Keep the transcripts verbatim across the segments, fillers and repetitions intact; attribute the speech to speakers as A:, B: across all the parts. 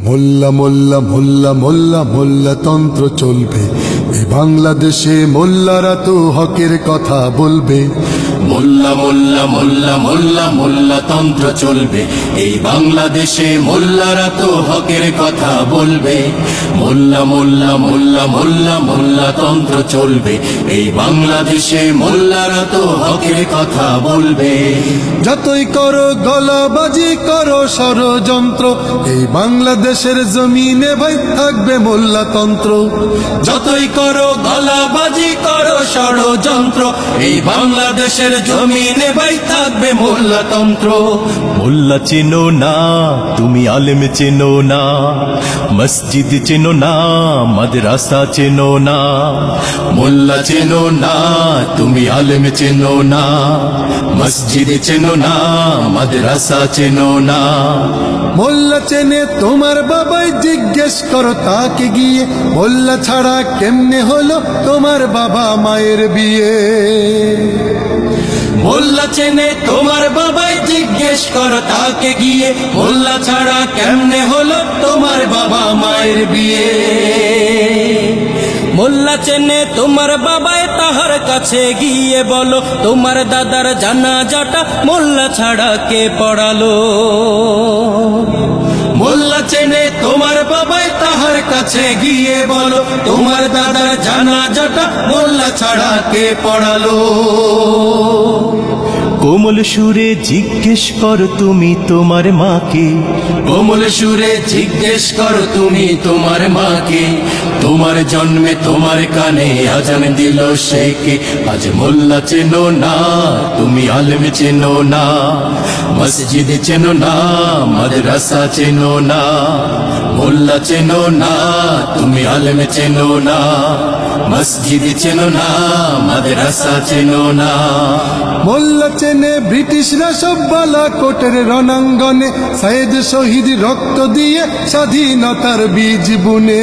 A: মোল্লা মোল্লা মোল্লা মোল্লা মোল্লা তন্ত্র চলবে এই বাংলাদেশে, মোল্লারা তো হকের কথা বলবে।
B: মোল্লা মোল্লা মোল্লা মোল্লা মোল্লা তন্ত্র চলবে এই বাংলাদেশে, মোল্লারা তো হকের কথা বলবে। মোল্লা মোল্লা মোল্লা মোল্লা মোল্লা তন্ত্র চলবে এই বাংলাদেশে, মোল্লারা তো হকের কথা বলবে।
A: যতই করো গলাবাজি করো ষড়যন্ত্র, এই বাংলাদেশের জমিনে ভাই থাকবে মোল্লা তন্ত্র।
B: যতই করো গলাবাজি করো ষড়যন্ত্র, এই বাংলাদেশের জমিনে ভাই থাকবে মোল্লা তন্ত্র।
C: মোল্লা চেনো না তুমি, আলেম চেনো না, মসজিদ চেনো না, মাদ্রাসা চেনো না।
B: মোল্লা চেনো না তুমি, আলেম চেনো না, মসজিদ চেনো না, মাদ্রাসা চেনো না।
A: মোল্লা চেনে তোমার বাবাই, জিজ্ঞেস করো তাকে গিয়ে, মোল্লা ছাড়া কেমনে হলো তোমার বাবা মায়ের বিয়ে।
B: মোল্লা চেনে তোমার বাবাই, জিজ্ঞেস করো তাকে গিয়ে, মোল্লা ছাড়া কেমনে হলো তোমার বাবা মায়ের বিয়ে। মোল্লা চেনে তোমার বাবাই, তাহার কাছে গিয়ে বলো তোমার দাদার জানাজাটা মোল্লা ছাড়া কে পড়ালো। মোল্লা চেনে তোমার বাবাই, তাহার কাছে গিয়ে বলো তোমার দাদার জানাজাটা মোল্লা ছাড়া কে পড়ালো।
C: কোমল সুরে জিজ্ঞেস কর তুমি তোমার মাকে,
B: কোমল সুরে জিজ্ঞেস করো তুমি তোমার মাকে, তোমার জন্মে তোমার কানে আজান দিল সে কে। আজ মোল্লা চেনো না তুমি, আলেম চেনো না, মসজিদ চেনো না, মাদ্রাসা চেনো না। মোল্লা চেনো না তুমি, আলেম চেনো না, মসজিদ চেনো না, মাদ্রাসা চেনো না।
A: মোল্লা চেনে ব্রিটিশরা সব বালা কোটের রণাঙ্গনে, সাইদ শহীদ রক্ত দিয়ে স্বাধীনতার বীজ বুনে।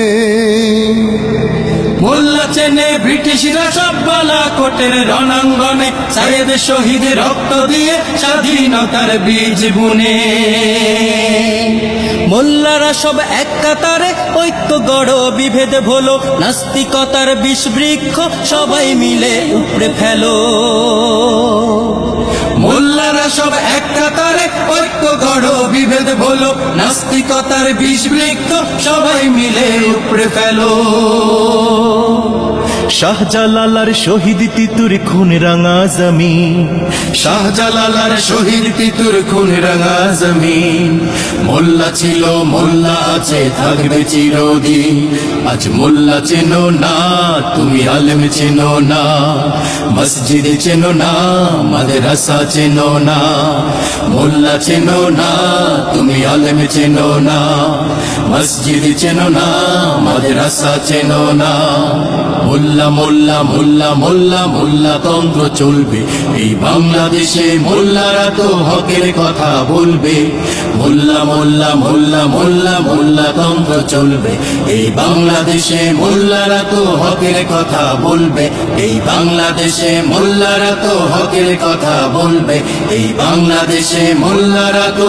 B: মোল্লা চেনে ব্রিটিশরা সব বালা কোটের রণাঙ্গনে, সাইদ শহীদ রক্ত দিয়ে স্বাধীনতার বীজ বুনে। মোল্লারা সব এক কাতারে ঐক্য গড় বিভেদ ভোলো, নাস্তিকতার বিষ বৃক্ষ সবাই মিলে উপড়ে ফেলো। মোল্লারা সব এক কাতারে ঐক্য গড় বিভেদ ভোলো, নাস্তিকতার বিষ বৃক্ষ সবাই মিলে উপড়ে ফেলো।
C: শাহজালালার শহীদ তিতুর খুন রাঙা জমিন,
B: শাহজালালার শহীদ তিতুর খুন রাঙা জমিন। মোল্লা ছিল মোল্লা আছে থাকবে চিরদিন। আজ মোল্লা চেনো না তুমি, আলেম চেনো না, মসজিদ চেনো না, মাদ্রাসা চেনো না। মোল্লা চেনো না তুমি, আলেম চেনো না, মসজিদ চেনো না, মাদ্রাসা চেনো না। মোল্লা মোল্লা মোল্লা মোল্লা মোল্লা তন্ত্র চলবে এই বাংলাদেশে, মোল্লারা তো হকের কথা বলবে। মোল্লা মোল্লা মোল্লা মোল্লা মোল্লা তন্ত্র চলবে এই বাংলাদেশে, মোল্লারা তো হকের কথা বলবে। এই বাংলাদেশে মোল্লারা তো হকের কথা বলবে। এই বাংলাদেশে মোল্লারা তো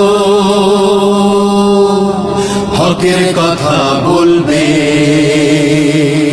B: হকের কথা বলবে।